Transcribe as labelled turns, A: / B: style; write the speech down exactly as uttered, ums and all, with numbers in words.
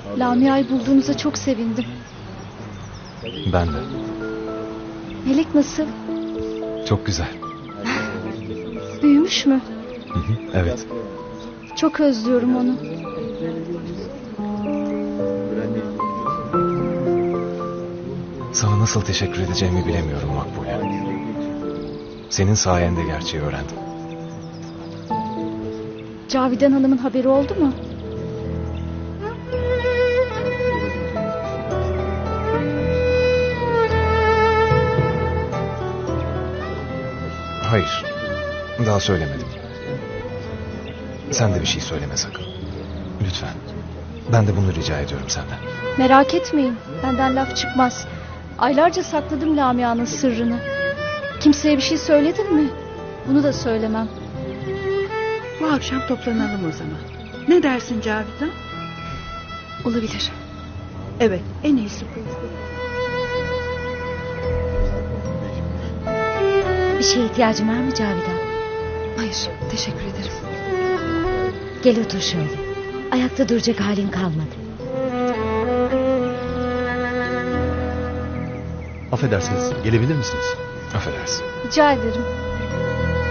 A: Lamia'yı bulduğunuza çok sevindim.
B: Ben de.
A: Melek nasıl?
B: Çok güzel.
A: Büyümüş mü?
B: Hı hı, evet.
A: Çok özlüyorum onu.
B: Sana nasıl teşekkür edeceğimi bilemiyorum Makbule. Senin sayende gerçeği öğrendim.
A: Cavidan Hanım'ın haberi oldu mu?
B: Hayır. Daha söylemedim. Sen de bir şey söyleme sakın. Lütfen. Ben de bunu rica ediyorum senden.
A: Merak etmeyin. Benden laf çıkmaz. Aylarca sakladım Lamia'nın sırrını. Kimseye bir şey söyledin mi? Bunu da söylemem.
C: Bu akşam toplanalım o zaman. Ne dersin Cavidan?
A: Olabilir.
C: Evet, en iyisi bu.
D: Bir şeye ihtiyacın var mı Cavidan?
A: Hayır, teşekkür ederim.
D: Gel otur şöyle. Ayakta duracak halin kalmadı.
E: Affedersiniz, gelebilir misiniz?
B: Affedersin.
A: Rica ederim.